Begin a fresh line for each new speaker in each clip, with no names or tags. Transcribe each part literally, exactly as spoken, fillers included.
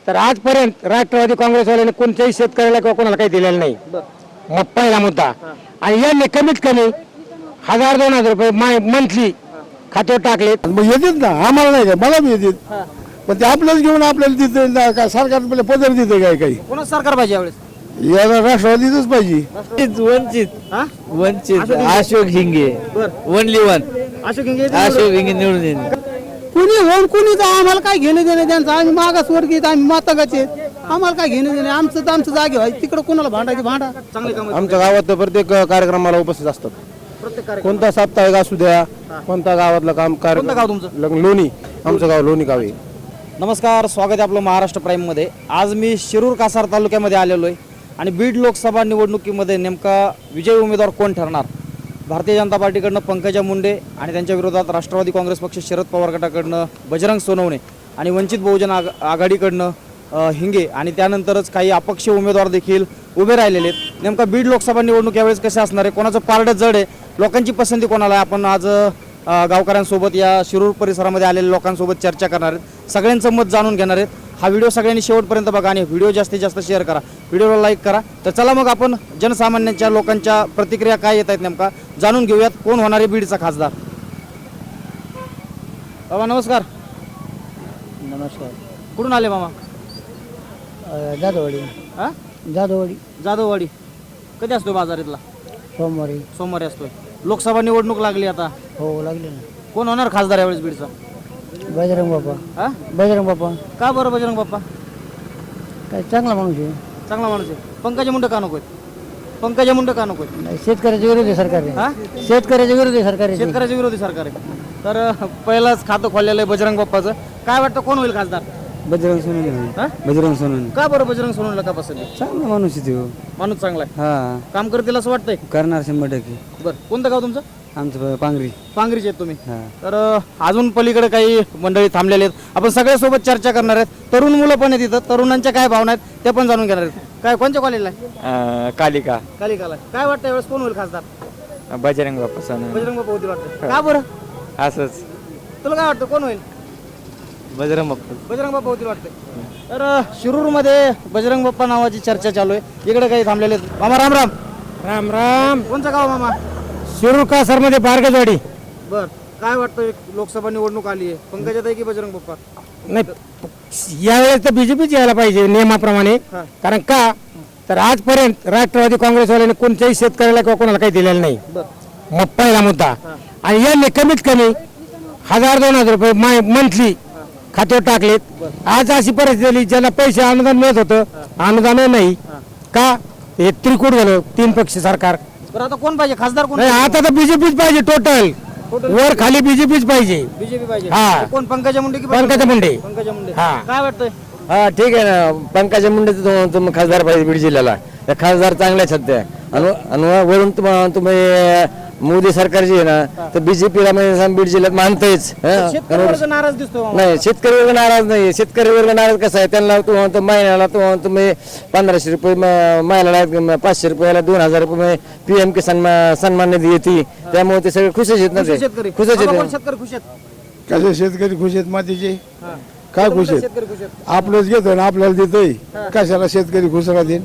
तर आजपर्यंत राष्ट्रवादी काँग्रेसवाल्याने कोणत्याही शेतकऱ्याला किंवा कोणाला काही दिलेलं नाही. मग पहिला मुद्दा. आणि यांनी कमीत कमी हजार दोन हजार रुपये मंथली खात्यावर टाकले.
मग येतात ना, आम्हाला नाही काय, मला बी येतात. पण ते आपल्याच घेऊन आपल्याला तिथे काय सरकार पदर देते काय काही.
कोणाच सरकार पाहिजे यावेळेस?
याला राष्ट्रवादीच पाहिजे.
वंचित वंचित अशोक हिंगे ओनली वन
अशोक हिंगे
अशोक हिंगे निवडून येईल.
कुणी होऊन कुणी तर आम्हाला काय घेणं देणं त्यांचं. आम्ही मागासवर्गीय आहेत, आम्ही मातंगाचे आहेत. आम्हाला काय घेणं देणं. आमचं तर आमचं जागे व्हायचं, तिकडे कुणाला भांडायचे भांडा.
चांगले काम
आमच्या गावात तर प्रत्येक कार्यक्रमाला उपस्थित असतात.
प्रत्येक कार्यक्रम.
कोणता साप्ताहिक असू द्या, कोणता गावातलं काम
कोणतं गाव
कार्यक्रम.
तुमचं?
लोणी. आमचं गाव लोणी गाव आहे.
नमस्कार, स्वागत आहे आपलं महाराष्ट्र प्राईममध्ये. आज मी शिरूर कासार तालुक्यामध्ये आलेलो आहे आणि बीड लोकसभा निवडणुकीमध्ये नेमका विजयी उमेदवार कोण ठरणार. भारतीय जनता पार्टीकडनं पंकजा मुंडे आणि त्यांच्या विरोधात राष्ट्रवादी काँग्रेस पक्ष शरद पवार गटाकडनं बजरंग सोनवणे आणि वंचित बहुजन आघ आघाडीकडनं अ, हिंगे आणि त्यानंतरच काही अपक्ष उमेदवार देखील उभे राहिलेले आहेत. नेमका बीड लोकसभा निवडणूक यावेळेस कसे असणार आहे, कोणाचं पारडं जड आहे, लोकांची पसंती कोणाला आहे, आपण आज अ, गावकऱ्यांसोबत या शिरूर परिसरामध्ये आलेल्या लोकांसोबत चर्चा करणार आहेत. सगळ्यांचं मत जाणून घेणार आहेत. हा व्हिडिओ सगळ्यांनी शेवटपर्यंत बघा आणि व्हिडिओ जास्तीत जास्त शेअर करा, व्हिडिओला लाईक करा. तर चला मग आपण जनसामान्यांच्या लोकांच्या प्रतिक्रिया काय येत आहेत नेमका जाणून घेऊयात. कोण होणार आहे बीडचा खासदार? बाबा नमस्कार.
नमस्कार.
कुठून आले मामा?
जाधववाडी.
हा
जाधववाडी.
जाधववाडी. कधी असतो बाजार इथला?
सोमवारी.
सोमवारी असतोय. लोकसभा निवडणूक लागली आता,
हो लागले ना.
कोण होणार खासदार यावेळेस बीडचा?
बजरंग बाप्पा.
हा
बजरंग बाप्पा
का बरं बजरंग बाप्पा?
काय चांगला माणूस आहे.
चांगला माणूस आहे. पंकजा मुंडे का नकोय? पंकजा मुंडे का नकोय?
नाही, शेतकऱ्याच्या विरोधी सरकार
हा
आहे. शेतकऱ्याच्या विरोधी सरकार आहे.
शेतकऱ्याच्या विरोधी सरकार आहे. तर अ, पहिलंच खातं खोललेलं आहे बजरंग बाप्पाचं. काय वाटतं कोण होईल खासदार?
बजरंग सोनवणे.
हा
बजरंग सोनवणे
का बरं बजरंग सोनवणेला का पसंत आहे?
चांगला माणूस आहे तो.
माणूस चांगला आहे,
हा
काम करतील असं वाटतंय.
करणार शंभर टक्के.
बरं, कोणतं गाव तुमचं?
आमचं पांगरी.
पांगरीचे आहेत तुम्ही.
हा.
तर अ, अजून पलीकडे काही मंडळी थांबलेले आहेत. आपण सगळ्यासोबत चर्चा करणार आहेत. तरुण मुलं पण आहेत इथं, तरुणांच्या काय भावना आहेत ते पण जाणून घेणार आहेत. काय कोणत्या कॉलेजला आहे?
कालिका
कालिकाला. काय वाटतं यावेळेस कोण होईल खासदार?
बजरंग बाप्पा सोनवणे.
बजरंग बाप्पा होतील वाटतं. का बरं?
असंच
तुला काय वाटतं कोण होईल?
बजरंग बाप्पा.
बजरंग बाप्पा होतील वाटतं. तर अ, शिरूरमध्ये बजरंग बाप्पा नावाची चर्चा चालू आहे. इकडे काही थांबलेले आहेत. मामा राम राम.
राम राम.
कोणचं गाव मामा?
शिरूर कासार मध्ये बारगजवाडी.
बर, काय वाटतं लोकसभा निवडणूक आली आहे, पंकजाताई की बजरंग बाप्पा?
नाही, यावेळेस तर बीजेपीच यायला पाहिजे नियमाप्रमाणे.
हा.
कारण का तर आजपर्यंत राष्ट्रवादी काँग्रेसवाल्याने कोणत्याही शेतकऱ्याला किंवा कोणाला काही दिलेलं नाही.
बर.
मग पहिला मुद्दा. आणि यांनी कमीत कमी हजार दोन हजार रुपये मंथली खात्यावर टाकलेत. आज अशी परिस्थिती झाली, ज्यांना पैसे अनुदान मिळत होतं अनुदान नाही का, हे त्रिकूट झालं तीन पक्ष सरकार.
बरं, आता कोण पाहिजे खासदार? कोण
नाही, आता तर बीजेपीच पाहिजे. टोटल वर खाली बीजेपीच पाहिजे.
बीजेपी पाहिजे.
हा.
कोण, पंकजा मुंडे की
पंकजा मुंडे.
पंकजा मुंडे.
हा.
काय वाटतंय?
हा ठीक आहे ना, पंकजा मुंडे तुम्ही खासदार पाहिजे बीड जिल्ह्याला. त्या खासदार चांगल्या सध्या आणि वरून तुम्ही मोदी सरकार जी आहे ना, तर बीजेपीला म्हणजे बीड जिल्ह्यात मानतायच.
शेतकरी वर्ग नाराज दिसतोय मामा.
नाही, शेतकरी वर्ग नाराज नाही. शेतकरी वर्ग नाराज कसा आहे, त्यांना तू म्हणतो महिन्याला तू म्हणतो तुम्ही पंधराशे रुपये म- महिन्याला, पाचशे रुपयाला दोन हजार रुपये पी एम किसान म- सन्मान निधी येते. त्यामुळे ते सगळे खुशच आहेत ना.
खुश
ते
आहे शेतकरी.
खुशच
बाबा, कोण
आहेत.
शेतकरी खुश आहेत?
कसे शेतकरी खुश आहेत मातीचे?
हा.
काय
कोणते
खुश आहेत?
शेतकरी खुश आहेत?
आपलंच घेतोय ना, आपल्याला देतोय. कशाला शेतकरी खुश राहतील.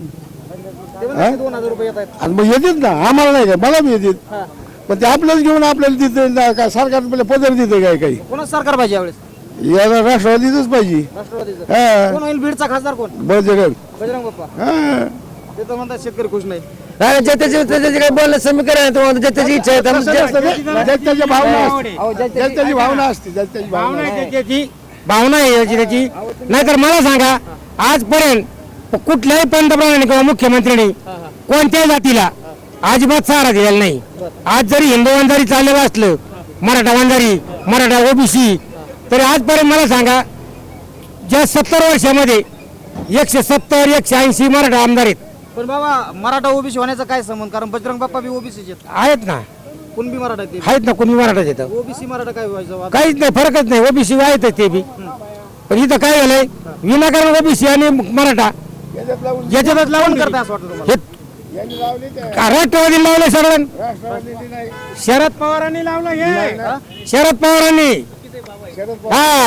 ते म्हणतात की दोन हजार रुपये येत आहेत.
आणि मग येतात ना, आम्हाला नाही काय, मला बी येतात.
हा.
पण ते आपल्याच घेऊन आपल्याला तिथे काय सरकार पदर देते काय काही.
कोणाच सरकार पाहिजे यावेळेस?
याला राष्ट्रवादीच पाहिजे.
राष्ट्रवादीचं.
हा.
कोण होईल बीडचा खासदार? कोण?
बजरंग.
बजरंग बाप्पा.
हा.
ते तर म्हणतात शेतकरी खुश नाही.
नाही, ज्याच्याची त्याची काय बोलणं समीकरण आहे, तुम्हाला ज्याची इच्छा आहे त्यामुळे ज्या-
ज्याची भावना असते. ज्याची भावना असते. ज्याची भावना
त्याची भावना आहे याची त्याची. नाहीतर मला सांगा, आजपर्यंत कुठल्याही पंतप्रधानांनी किंवा मुख्यमंत्र्यांनी कोणत्याही जातीला अजिबात सहारा दिलेला नाही. आज जरी हिंदू वंजारी चाललेलं असलं, मराठा वंजारी, मराठा ओबीसी, तरी आजपर्यंत मला सांगा, ज्या सत्तर वर्षामध्ये एकशे सत्तर एकशे ऐंशी मराठा आमदार आहेत.
पण बाबा, मराठा ओबीसी होण्याचा काय संबंध? कारण बजरंग बाप्पा बी ओबीसी
आहेत ना,
कुणबी मराठा आहेत.
आहेत ना, कोणी मराठा येतं,
ओबीसी मराठा काय व्हायचं?
काहीच नाही, फरकच नाही. ओबीसी आहेत ते बी. पण इथं काय झालंय, विनाकारण ओबीसी आणि मराठा याच्यातच लावून
करता असं वाटतं तुम्हाला?
हे का राष्ट्रवादी लावलं सगळं? शरद पवारांनी लावलं हे. शरद पवारांनी. हा,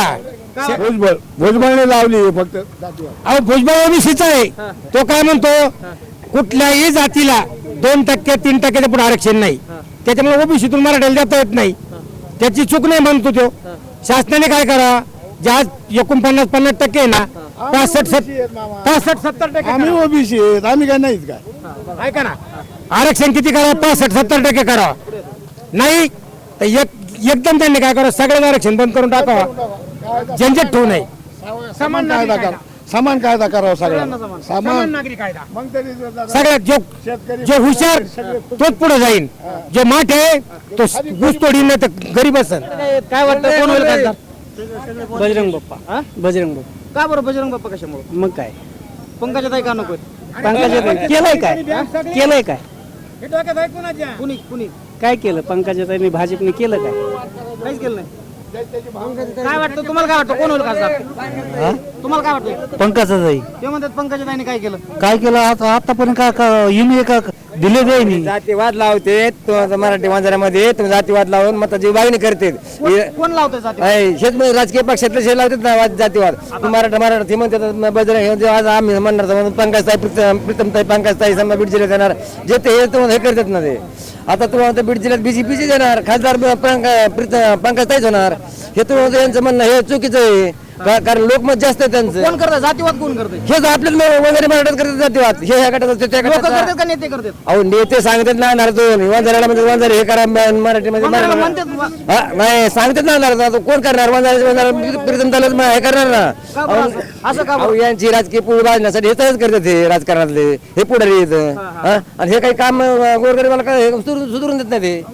भुजबळ भुजबळने लावली फक्त जातीवाद.
अहो भुजबळ ओबीसीचा आहे. तो काय म्हणतो कुठल्याही जातीला दोन टक्के तीन टक्क्याच्या पुढे आरक्षण नाही, त्याच्यामुळे ओबीसीतून मराठ्याला देता येत नाही. त्याची चूक नाही म्हणतो तो. शासनाने काय करा, ज्या एकोणपन्नास पन्नास टक्के आहे ना, पासष्ट पासष्ट सत्तर टक्के
आम्ही ओबीसी आहेत, आम्ही काय नाहीत काय.
करा. ऐका ना, आरक्षण किती करा, पासष्ट सत्तर टक्के करा. नाही तर एक एकदम त्यांनी काय करा, सगळ्यांना आरक्षण बंद करून टाकावा, झंझट ठेवू नये.
समान कायदा करा, समान कायदा करावा सगळ्यांना
समान
समान.
नागरिक कायदा.
मग तरी जर-
सगळ्यात जो
शेतकरी
जो हुशार तोच पुढे जाईल, जो माठ आहे तो घुसतोडी नाही तर गरीब असेल.
काय वाटतं कोण होईल खासदार?
बजरंग बाप्पा
हा?
बजरंग बाप्पा
का बरं बजरंग बाप्पा कशामुळे?
मग काय
पंकजाताई का नको?
पंकजाताई केलंय काय केलंय काय
कुणी कुणी
काय केलं पंकजाताईने भाजपने केलं काय
काहीच केलं नाही. काय वाटतं तुम्हाला, काय वाटतं कोण होईल खासदार? तुम्हाला काय वाटतं?
पंकजाताई
ते म्हणतात पंकजाताईने काय केलं?
काय केलं आता आतापर्यंत काय का युनी का दिले जाईनी
जातीवाद लावते तो मराठी मांजरामध्ये तुम्ही जातीवाद लावून मताची मागणी करते.
कोण लावतोय जाती?
हेच म्हणजे राजकीय पक्षातले हे लावतात ना वाद- जातीवाद. मराठा मराठी म्हणतात बजरंग हे जे आज आम्ही म्हणणार तर म्हणून पंकजताई प्रीतम प्रीतमताई पंकजताई समजा बीड जिल्ह्यात येणार जे ते हे तुम्हाला हे करतात ना ते. आता तुम्हाला बीड जिल्ह्यात बीजेपीचे येणार खासदार पंक- प्रीतम पंकजताईच होणार. हे तुम्हाला यांचं म्हणणं हे चुकीचं आहे का- कारण लोकमत जास्त आहे त्यांचं.
कोण करतं जातीवाद? कोण करतंय?
हे आपले लोक वगैरे मराठात करतात जातीवाद, हे ह्या गटात ते त्या
लोक
गटात.
करतात का नेते करतात?
अहो नेते सांगतात ना नार दोन वंजाऱ्याला म्हणजे वंजारे हे करा म- मराठीमध्ये
वंजाऱ्याला
मराठी-
म्हणतात
हा, नाही सांगतात ना नार आता कोण करणार वंजाऱ्याचे वंजारा प्रीतम तालुक हे करणार ना.
का बरं असं? असं का बरं?
अहो यांची राजकीय पुढे बाजण्यासाठी हे तसंच करतात हे राजकारणातले हे पुढारी येत आणि हे काही काम अं, गोरगरिबाला काय हे सुधरू- सुधरून देत नाही ते.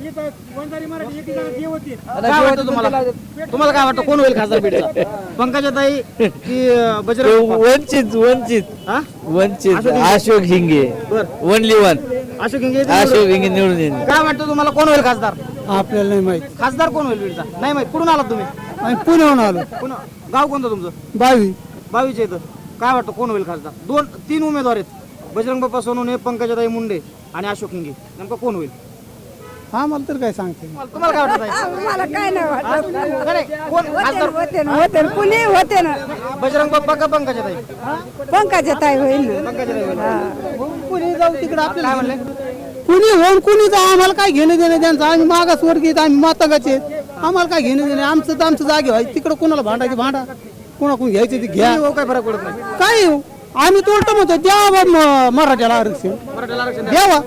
काय वाटतं तुम्हाला? तुम्हाला काय वाटतं कोण होईल खासदार बीडचा? पंकजाताई की अं, बजरंग बाप्पा?
वंचित वंचित
हा?
वंचित अशोक हिंगे
बरं.
ओनली वन
अशोक हिंगे येतील
अशोक
निवडून.
हिंगे निवडून येईल.
काय वाटतं तुम्हाला कोण होईल खासदार?
आपल्याला नाही माहित
खासदार कोण होईल बीडचा? नाही माहित. कुठून आलात तुम्ही?
आम्ही पुण्याहून आलो
पुन्हा गाव कोणतं तुमचं?
बावी
बावीच्या इथं. काय वाटतं कोण होईल खासदार? दोन तीन उमेदवार आहेत, बजरंग बाप्पा सोनवणे, पंकजाताई मुंडे आणि अशोक हिंगे. नेमकं कोण होईल?
आम्हाला तर काय सांगते
तुम्हाला तुम्हाला काय वाटतं ताई?
मला काय नाही वाटत
नाही, नाही. कोण खासदार?
होते ना होते ना कुणी होते ना
बजरंग बाप्पा का पंकजाताई?
पंकजा ताई होईल ना
पंकजाताई होईल.
कुणी जाऊ तिकडे
काय म्हणले?
कुणी होऊन कुणी जाऊ आम्हाला काय घेणं देणं त्यांचं आम्ही मागासवर्गीय आहेत, आम्ही मातंगाचे आहेत. आम्हाला काय घेणं देणं आमचं तर आमचं जागे व्हायचं तिकडे कोणाला भांडायचे भांडा कोणाकडून घ्यायचे ते घ्या
हो, काय फरक पडत नाही.
काय हो आम्ही तो उलट म्हणतो द्यावा म- मराठ्याला आरक्षण
मराठ्याला आरक्षण द्या.
द्यावा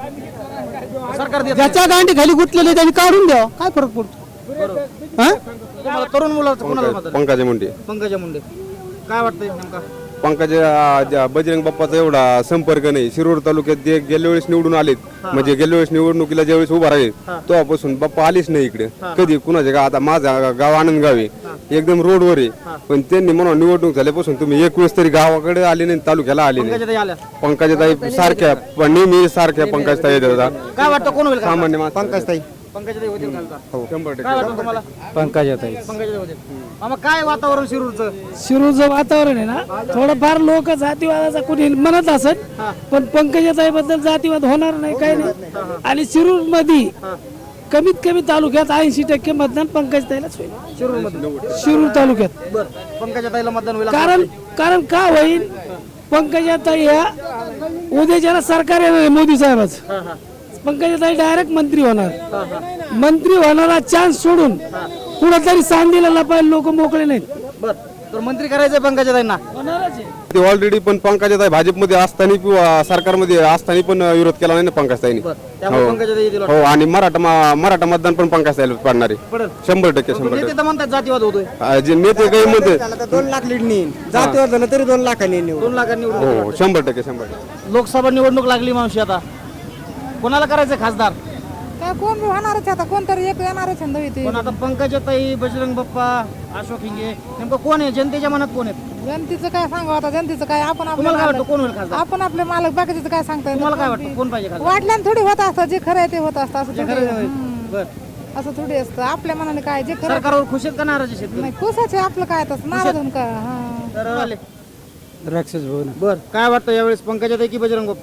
सरकार देत नाही.
ज्याच्या गांडी खाली गुतलेले त्यांनी काढून द्यावा काय फरक पडतो हा
तुम्हाला तरुण मुलाचं कोणाला मतदान?
पंकजा मुंडे
पंकजा मुंडे. काय वाटतंय नेमका?
पंकजा ज्या बजरंग बाप्पाचा एवढा संपर्क नाही. शिरूर तालुक्यात जे गेल्या वेळेस निवडून आलेत, म्हणजे गेल्या वेळेस निवडणुकीला ज्यावेळेस उभा राहिले तेव्हापासून बाप्पा आलीच नाही इकडे कधी. कुणाचे गाव आता माझा गाव आनंद गाव आहे, एकदम रोडवर आहे, पण त्यांनी म्हणून निवडणूक झाल्यापासून तुम्ही एक वेळेस तरी गावाकडे आले नाही, तालुक्याला आले नाही.
पंकजाताई आल्या.
पंकजाताई सारख्या पण नेहमी सारख्या पंकजताई येत होता.
काय वाटतं कोण होईल खासदार?
सामान्य माणसं- पंकजताई
पंकजाताई होतील खासदार.
हो शंभर
काय
टक्के.
वाटतं तुम्हाला?
पंकजाताई
पंकजाताई होतील. आम्हा काय वातावरण शिरूरचं?
शिरूरचं वातावरण आहे ना थोडंफार लोक जातीवादाचा कुणी म्हणत असत पण पंकजाताई बद्दल जातीवाद होणार नाही काही नाही आणि शिरूर मध्ये कमीत कमी तालुक्यात ऐंशी टक्के मतदान पंकजाताईलाच होईल
शिरूरमध्ये.
शिरूर तालुक्यात
बरं. पंकजाताईला मतदान होईल.
कारण कारण का होईल पंकजाताई ह्या उद्याच्याला सरकार आहे ना मोदी साहेबाचं पंकजाताई डायरेक्ट मंत्री होणार मंत्री होणारा चान्स सोडून कुठंतरी सांगलीला लपायला लोक मोकळे नाहीत
बरं. तर मंत्री करायचंय पंकजाताईंना.
ते ऑलरेडी पण पंकजाताई भाजपमध्ये असताना किंवा सरकारमध्ये असताना पण विरोध केला नाही ना पंकजताईने.
त्यामुळे पंकजाताई येतील वाटतं.
हो आणि मराठा मा- मराठा मतदान पण पंकजताईला पडणार आहे.
पडेल.
शंभर टक्के शंभर
नेते
टक्के.
तर म्हणतात जातीवाद होतोय.
आ, जे नेते काही म्हणते
दोन लाख लीड नेईन जातीवर झालं तरी दोन लाखांनी निवड
दोन लाखांनी निवडून
हो शंभर टक्के शंभर टक्के.
लोकसभा निवडणूक लागली मावशी आता. कोणाला करायचं खासदार?
काय कोण बी होणारच आहे आता कोणतरी एक येणारच छंद होती
पण आता पंकजाताई, बजरंग बाप्पा, अशोक हिंगे नेमकं कोण आहे? जनतेच्या मनात कोण आहे?
जनतेचं काय सांगावं आता जनतेचं काय आपण आपले
तुम्हाला काय वाटतं
मालक
कोण होईल खासदार?
आपण आपले मालक बाकीचं काय सांगता येत
तुम्हाला काय
नाही.
वाटतं कोण पाहिजे खासदार?
वाटल्यानं थोडी होत असतं जे खरं आहे ते होत असतं असं
जे
थोडी
खरं आहे.
हम्म.
बरं.
असं थोडी असतं आपल्या मनाने काय जे खरं
सरकारवर खुश आहेत का नाराज आहे शेतकरी?
नाही खुशाचे आपलं काय तसं नाराज होऊन का हा
तर आले.
राक्षस भवन
बर. काय वाटतं यावेळेस पंकजाताई की बजरंग बाप्पा?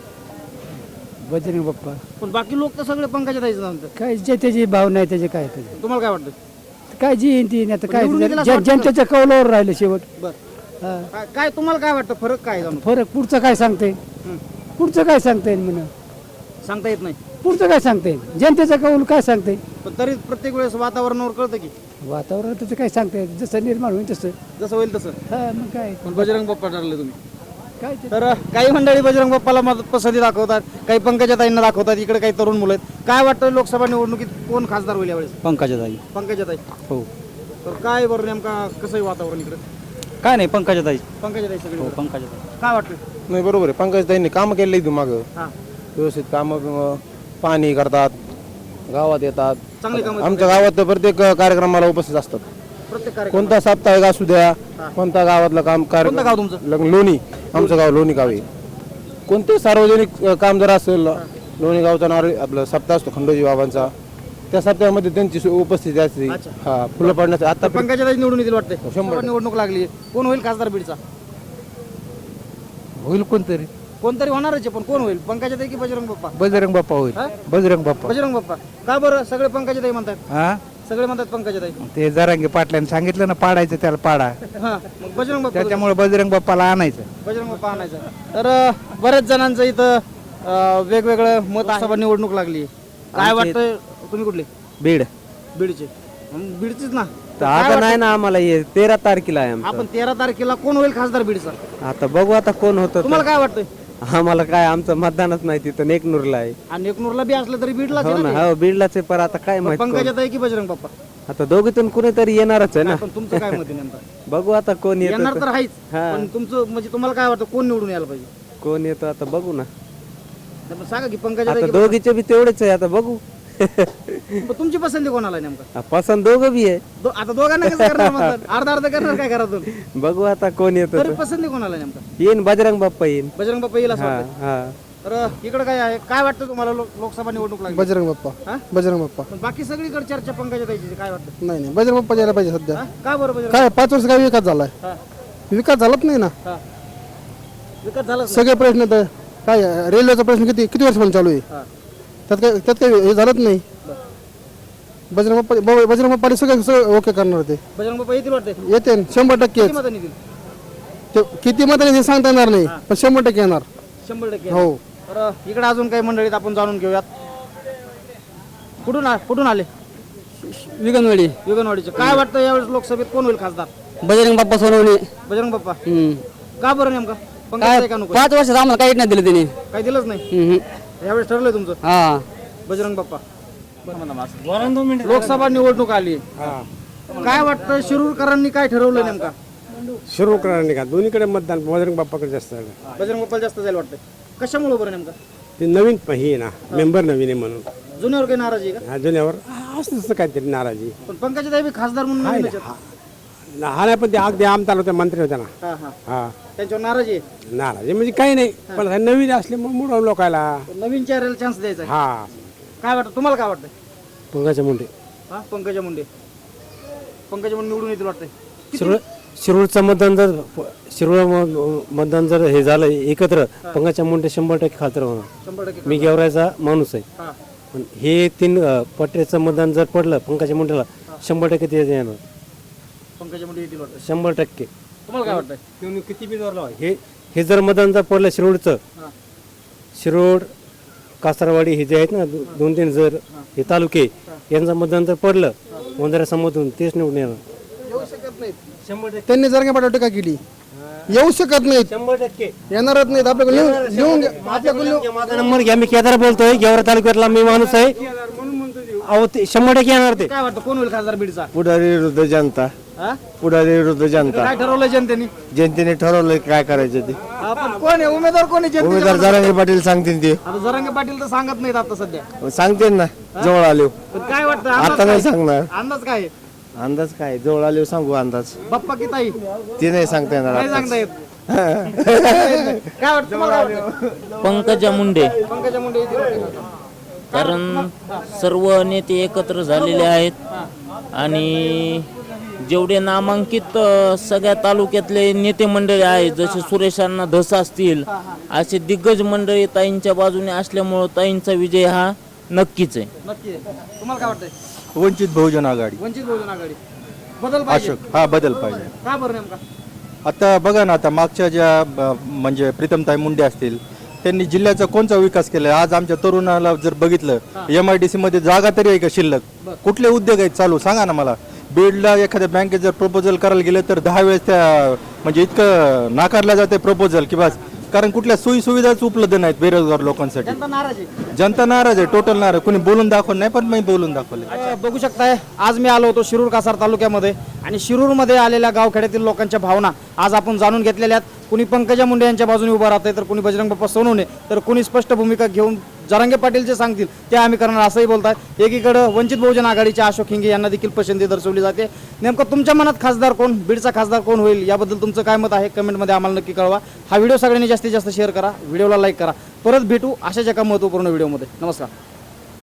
बजरंग बाप्पा
पण बाकी लोक तर सगळे पंकजाताईच म्हणतात.
काय जे त्याची भावना आहे त्याचे काय त्याचे
तुम्हाला काय वाटतं?
काय जी येईन ती येईन. आता काय
निवडून गेला
जन-
असं वाटतं
जनतेच्या कौलावर राहिलं शेवट
बर
हा.
काय- काय तुम्हाला काय वाटतं फरक काय जाणून
फरक पुढचं काय सांगते पुढचं काय सांगता येईल म्हणून
सांगता येत नाही
पुढचं काय सांगता येईल जनतेचा कौल काय सांगते
पण तरी प्रत्येक वेळेस वातावरणावर कळतं की
वातावरण त्याचं काय सांगता येईल जसं निर्माण होईल तसं
जसं होईल तसं
हा मग काय
पण बजरंग बाप्पा ठरले तुम्ही
काय ते-
तर काही मंडळी बजरंग बाप्पाला मदत पसंती दाखवतात काही पंकजाताईंना दाखवतात इकडे काही तरुण मुलं आहेत काय वाटतं लोकसभा निवडणुकीत कोण खासदार होईल यावेळेस
पंकजाताई
पंकजाताई
हो
तर काय बरं नेमका कसं आहे वातावरण इकडे
काय नाही पंकजाताई
पंकजाताई सगळी
हो
बरं.
पंकजाताई
काय वाटतं
नाही बरोबर आहे पंकजताईंनी कामं केले इथून मागं
हा
व्यवस्थित कामं पाणी करतात गावात येतात
चांगली कामं
आमच्या गावात तर प्रत्येक कार्यक्रमाला उपस्थित असतात
प्रत्येक कार्यक्रम
कोणता साप्ताहिक असू द्या कोणता गावातलं काम
कोणतं गाव तुमचं?
लग्न- लोणी आमचं गाव लोणी गाव आहे कोणते सार्वजनिक अ, काम जर असेल लोणी गावचा नारळी आपलं सप्ताह असतो खंडोजी बाबांचा त्या सप्ताहामध्ये त्यांची सु- उपस्थिती असते हा फुलं पडण्याचं आता
पंकजाताई निवडून येतील वाटतंय
हो, शंभर
लोकसभा निवडणूक लागली कोण होईल खासदार बीडचा
होईल कोणतरी
कोणतरी होणारच आहे पण कोण होईल पंकजाताई की बजरंग बाप्पा
बजरंग बाप्पा होईल
हा?
बजरंग बाप्पा
बजरंग बाप्पा का बरं सगळे पंकजाताई म्हणतात
हा
सगळे म्हणतात पंकजाताई
ते जरांगे पाटल्याने सांगितलं ना पाडायचं त्याला पाडा
हा मग बजरंग बाप्पा
त्याच्यामुळे बजरंग बाप्पाला आणायचं
बजरंग बाप्पा आणायचा तर अं, बऱ्याच जणांचं इथं अं, वेगवेगळं मत सभा निवडणूक लागली काय वाटतंय तुम्ही कुठले
बीड
बीडचे मग बीडचीच ना
तर आता नाही ना आम्हाला ये तेरा तारखेला आहे आमचं.
आपण तेरा तारखेला कोण होईल खासदार बीडचा
आता बघू आता कोण होतं
तुम्हाला काय वाटतंय
तर. आम्हाला काय आमचं मतदानच नाही तिथं नेकनूरला आहे
आणि एकनूरला बी असलं तरी बीडला
हो ना हो बीडलाच आहे पण आता काय माहित कोण.
पंकजाताई की बजरंग बाप्पा
आता दोघीतून कुणीतरी येणारच आहे ना
पण तुमचं काय मत आहे नेमकं
बघू आता कोण
येणार
येतं
तर आहेच
हा.
पण तुमचं म्हणजे तुम्हाला काय वाटतं कोण निवडून यायला पाहिजे
कोण येतं आता बघू ना
तर मग सांगा की पंकजाताई
आता
की
दोघीचे बी तेवढेच आहे आता बघू
बजरंग- पण तुमची पसंती कोणाला आहे नेमका
पसंत दोघं बी आहे
दो- आता दोघांना कसं करणार मतदान? अर्धा अर्धा करणार काय घरातून
बघू आता कोण येतं
तरी
तर.
पसंती कोणाला आहे नेमका
येईन बजरंग बाप्पा येईन
बजरंग बाप्पा येईल असं
हा
वाटतं
हा
तर इकडे काय आहे काय वाटतं तुम्हाला लोक- लोकसभा निवडणूक लागली
बजरंग बाप्पा
हा?
बजरंग बाप्पा
पण बाकी सगळीकडे चर्चा पंकजाताईची काय वाटतं
नाही नाही बजरंग बाप्पा यायला पाहिजे सध्या
हा? का बरं बजरंग
काय पाच वर्ष काय विकास झालाय
हा,
विकास झालाच नाही ना
हा. विकास झालाच नाही.
सगळे प्रश्न तर काय रेल्वेचा प्रश्न किती किती वर्षापासून चालू आहे
हा.
त्यात काय त्यात काही हे झालंच नाही बजरंग बाप्पा ब- बजरंग बाप्पा सगळं सगळं ओके करणार ते
बजरंग बाप्पा येतील वाटते
येते न, शंभर टक्के
किती मतांनी येतील
ते किती मतांनी ते सांगता येणार नाही पण शंभर टक्के येणार
शंभर टक्के
हो
तर इकडे अजून काही मंडळीत आपण जाणून घेऊयात कुठून आ- कुठून आले
विगनवाडी
युगनवाडीचे काय वाटतं यावेळेस लोकसभेत कोण होईल खासदार
बजरंग बाप्पा सोनवणे
बजरंग बाप्पा का बरं नेमका
काय
पंकजाताई का नको
पाच वर्षात आम्हाला काही नाही दिलं त्यांनी
काही दिलंच नाही यावेळेस ठरलंय तुमचं
हा
बजरंग बाप्पा लोकसभा निवडणूक आली काय वाटतं शिरूरकरांनी काय ठरवलं नेमका
शिरूरकरांनी का दोन्हीकडे मतदान बजरंग बाप्पाकडे जास्त आहे.
बजरंग बाप्पाला जास्त जायला वाटतंय कशामुळे बरं नेमका
ते नवीन प- हे आहे ना मेंबर नवीन आहे म्हणून
जुन्यावर काही नाराजी आहे का
हा, जुन्यावर असं तसं काहीतरी नाराजी
पण पंकजाताई बी खासदार म्हणून
आहे
नवीनच
ना.
आहेत.
हा हा नाही पण ते अगदी आमदार होते मंत्री होते ना
हा हा
हा
त्यांच्यावर नाराजी आहे
नाराजी म्हणजे काही नाही पण हे नवीन असले मग मुलं लोकायला
पण नवीन चेहऱ्याला चान्स द्यायचा आहे.
हा
काय वाटतं तुम्हाला काय वाटतंय
पंगाच्या मुंडे
हा पंकजा मुंडे पंकजा मुंडे निवडून येतील वाटतंय
शिरूर शिरूरचं मतदान जर शिरूर म- मतदान जर हे झालं एकत्र पंगाच्या मुंडे शंभर टक्के खातर होणार
शंभर टक्के
मी गेवरायचा माणूस आहे
हा
पण हे तीन अ, पटऱ्याचं मतदान जर पडलं पंगाच्या मुंडेला शंभर टक्के ते येणार
पंकजा मुंडे येतील वाटतंय
शंभर टक्के
तुम्हाला काय वाटतंय
किती बी जोर लावा. हे हे जर मतदान जर पडलं शिरूरचं
हा.
शिरूर कासारवाडी हे जे आहेत ना दो- दोन तीन जर हे तालुके यांचं मतदान जर पडलं वंजारा समोरून तेच निवडून येणार
त्यांनी जर काय टीका केली येऊ शकत नाहीत
शंभर टक्के
येणारच नाहीत आपल्याकडे लिहून लिहून घ्या. आपल्याकडे लिहून-
माझा नंबर घ्या मी केदार बोलतोय गेवरा तालुक्यातला मी माणूस आहे अहो ते शंभर टक्के येणार ते
काय वाटतं कोण होईल खासदार बीडचा
पुढारी विरुद्ध जनता
हा
पुढारी विरुद्ध जनता
काय ठरवलं जनतेने
जनतेने ठरवलं काय करायचं ते
हा, पण कोण आहे उमेदवार कोण आहे
उमेदवार
जनतेच्या
जरांगे पाटील सांगतील ते
आता जरांगे पाटील तर सांगत नाहीत आता सध्या
सांगते ना जवळ आलो
पण काय वाटतं
आता
अंदाज
नाही
काय?
सांगणार
अंदाज काय आहे?
अंदाज काय जवळ आलो सांगू अंदाज
बाप्पा की ताई
ते नाही सांगता येणार
नाही
आताच.
सांगता येत काय वाटतं तुम्हाला काय वाटतं?
पंकजा मुंडे
पंकजा मुंडे येतील वाटतं.
कारण सर्व नेते एकत्र झालेले आहेत आणि जेवढे नामांकित अ, सगळ्या तालुक्यातले नेते मंडळी आहेत जसे सुरेशांना धस असतील असे दिग्गज मंडळी ताईंच्या बाजूने असल्यामुळं ताईंचा विजय हा नक्कीच आहे.
नक्की आहे. तुम्हाला काय वाटतंय
वंचित बहुजन आघाडी.
वंचित बहुजन आघाडी. बदल पाहिजे.
अशोक हा बदल पाहिजे.
का बरं नेमका?
आता बघा ना, आता मागच्या ज्या ब- म्हणजे प्रीतमताई मुंडे असतील, त्यांनी जिल्ह्याचा कोणता विकास केला? आज आमच्या तरुणाला जर बघितलं, एम आय डी सी मध्ये जागा तरी आहे का शिल्लक? कुठले उद्योग आहेत चालू सांगा ना मला. बीडला एखाद्या बँकेत जर प्रपोजल करायला गेलं तर दहा वेळेस त्या म्हणजे इतकं नाकारलं जाते प्रपोजल की बस, कारण कुठल्या सोयी सुविधाच उपलब्ध नाहीत बेरोजगार लोकांसाठी.
जनता नाराज आहे.
जनता नाराज आहे, टोटल नाराज. कोणी बोलून दाखवलं नाही, पण मी बोलून दाखवले.
अ, बघू शकताय आज मी आलो होतो शिरूर कासार तालुक्यामध्ये आणि शिरूरमध्ये आलेल्या गावखेड्यातील लोकांच्या भावना आज आपण जाणून घेतलेल्या आहेत. कुणी पंकजा मुंडे यांच्या बाजूने उभं राहतंय, तर कुणी बजरंग बाप्पा सोनवणे, तर कुणी स्पष्ट भूमिका घेऊन जरांगे पाटील जे सांगतील ते आम्ही करणार असंही बोलतात. एकीकडं वंचित बहुजन आघाडीचे अशोक हिंगे यांना देखील पसंती दर्शवली जाते. नेमकं तुमच्या मनात खासदार कोण, बीडचा खासदार कोण होईल याबद्दल तुमचं काय मत आहे कमेंटमध्ये आम्हाला नक्की कळवा. हा व्हिडिओ सगळ्यांनी जास्तीत जास्त शेअर करा, व्हिडिओला लाईक करा. परत भेटू अशाच एका महत्त्वपूर्ण व्हिडिओमध्ये. नमस्कार.